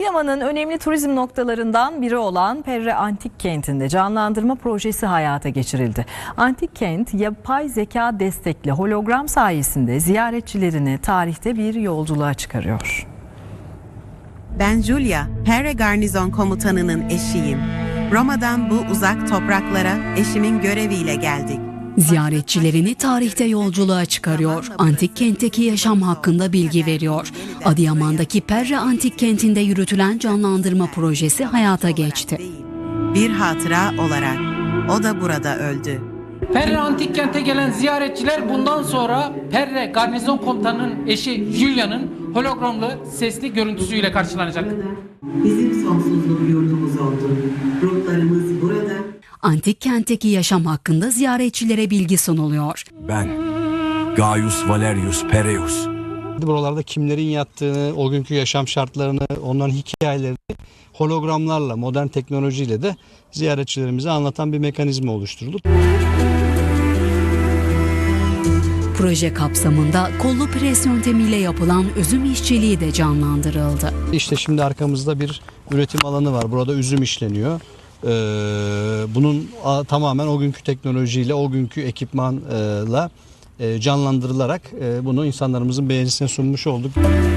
Adıyaman'ın önemli turizm noktalarından biri olan Perre Antik Kenti'nde canlandırma projesi hayata geçirildi. Antik kent yapay zeka destekli hologram sayesinde ziyaretçilerini tarihte bir yolculuğa çıkarıyor. Ben Julia, Perre Garnizon Komutanı'nın eşiyim. Roma'dan bu uzak topraklara eşimin göreviyle geldik. Ziyaretçilerini tarihte yolculuğa çıkarıyor. Antik kentteki yaşam hakkında bilgi veriyor. Adıyaman'daki Perre Antik Kenti'nde yürütülen canlandırma projesi hayata geçti. Bir hatıra olarak o da burada öldü. Perre Antik Kent'e gelen ziyaretçiler bundan sonra Perre Garnizon Komutanı'nın eşi Julia'nın hologramlı sesli görüntüsüyle karşılanacak. Bizim sonsuzluk yurdumuz oldu. Ruhlarımız burada. Antik kentteki yaşam hakkında ziyaretçilere bilgi sunuluyor. Ben Gaius Valerius Perreus. Buralarda kimlerin yattığını, o günkü yaşam şartlarını, onların hikayelerini hologramlarla, modern teknolojiyle de ziyaretçilerimize anlatan bir mekanizma oluşturuldu. Proje kapsamında kollu pres yöntemiyle yapılan üzüm işçiliği de canlandırıldı. İşte şimdi arkamızda bir üretim alanı var. Burada üzüm işleniyor. Bunun tamamen o günkü teknolojiyle, o günkü ekipmanla canlandırılarak bunu insanlarımızın beğenisine sunmuş olduk.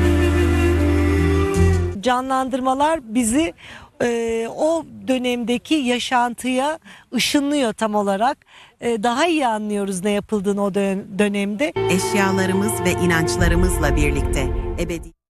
Canlandırmalar bizi o dönemdeki yaşantıya ışınlıyor tam olarak. Daha iyi anlıyoruz ne yapıldığını o dönemde. Eşyalarımız ve inançlarımızla birlikte ebedi